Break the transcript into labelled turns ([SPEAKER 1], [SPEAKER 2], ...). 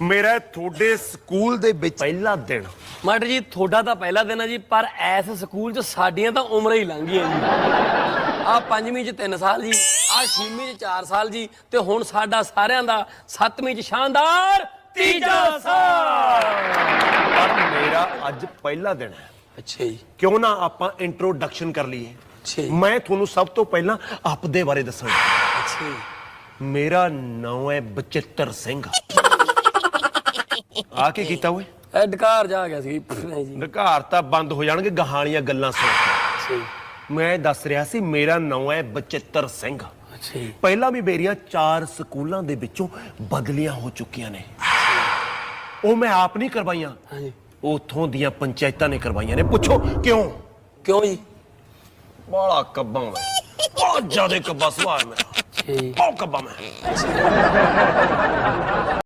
[SPEAKER 1] ਮੇਰਾ ਤੁਹਾਡੇ ਸਕੂਲ ਦੇ ਵਿੱਚ ਪਹਿਲਾ ਦਿਨ।
[SPEAKER 2] ਮਾਸਟਰ ਜੀ ਤੁਹਾਡਾ ਤਾਂ ਪਹਿਲਾ ਦਿਨ ਹੈ ਜੀ, ਪਰ ਐਸ ਸਕੂਲ 'ਚ ਸਾਡੀਆਂ ਤਾਂ ਉਮਰਾਂ ਹੀ ਲੰਘ ਗਈਆਂ ਜੀ। ਆ 5ਵੀਂ 'ਚ 3 ਸਾਲ ਜੀ, ਆ 6ਵੀਂ 'ਚ 4 ਸਾਲ ਜੀ, ਤੇ ਹੁਣ ਸਾਡਾ ਸਾਰਿਆਂ ਦਾ 7ਵੀਂ 'ਚ ਸ਼ਾਨਦਾਰ ਤੀਜਾ ਸਾਲ।
[SPEAKER 1] ਪਰ ਮੇਰਾ ਅੱਜ ਪਹਿਲਾ ਦਿਨ ਹੈ।
[SPEAKER 2] ਅੱਛਾ ਜੀ।
[SPEAKER 1] ਕਿਉਂ ਨਾ ਆਪਾਂ ਇੰਟਰੋਡਕਸ਼ਨ ਕਰ ਲਈਏ।
[SPEAKER 2] ਅੱਛਾ ਜੀ।
[SPEAKER 1] ਮੈਂ ਤੁਹਾਨੂੰ ਸਭ ਤੋਂ ਪਹਿਲਾਂ ਆਪਦੇ ਬਾਰੇ ਦੱਸਾਂਗਾ।
[SPEAKER 2] ਅੱਛਾ ਜੀ।
[SPEAKER 1] ਮੇਰਾ ਨਾਮ ਹੈ ਬਚਿੱਤਰ ਸਿੰਘ। ਆ ਕੀ ਕੀਤਾ ਓਏ?
[SPEAKER 2] ਇਹ ਡਕਾਰ ਜਾ ਗਿਆ ਸੀ ਜੀ।
[SPEAKER 1] ਘਰ ਤਾਂ ਬੰਦ ਹੋ ਜਾਣਗੇ ਗਾਹਾਂ ਗੱਲਾਂ ਸੁਣ ਕੇ।
[SPEAKER 2] ਅੱਛਾ ਜੀ।
[SPEAKER 1] ਮੈਂ ਦੱਸ ਰਿਹਾ ਸੀ ਮੇਰਾ ਨਾਮ ਹੈ ਬਚਿੱਤਰ ਸਿੰਘ।
[SPEAKER 2] ਅੱਛਾ ਜੀ।
[SPEAKER 1] ਪਹਿਲਾਂ ਵੀ ਮੇਰੀਆਂ 4 ਸਕੂਲਾਂ ਦੇ ਵਿੱਚੋਂ ਬਦਲੀਆਂ ਹੋ ਚੁੱਕੀਆਂ ਨੇ। ਉਹ ਮੈਂ ਆਪ ਨਹੀਂ ਕਰਵਾਈਆਂ,
[SPEAKER 2] ਹਾਂਜੀ।
[SPEAKER 1] ਉਥੋਂ ਦੀਆਂ ਪੰਚਾਇਤਾਂ ਨੇ ਕਰਵਾਈਆਂ ਨੇ। ਪੁੱਛੋ ਕਿਉਂ?
[SPEAKER 2] ਕਿਉਂ ਜੀ?
[SPEAKER 1] ਬਾਲਾ ਕੱਬਾਂ ਮੈਂ, ਬਹੁਤ ਜ਼ਿਆਦਾ ਕੱਬਾ ਸੁਭਾਅ ਮੇਰਾ।
[SPEAKER 2] ਅੱਛਾ ਜੀ।
[SPEAKER 1] ਬਹੁਤ ਕੱਬਾ ਮੈਂ।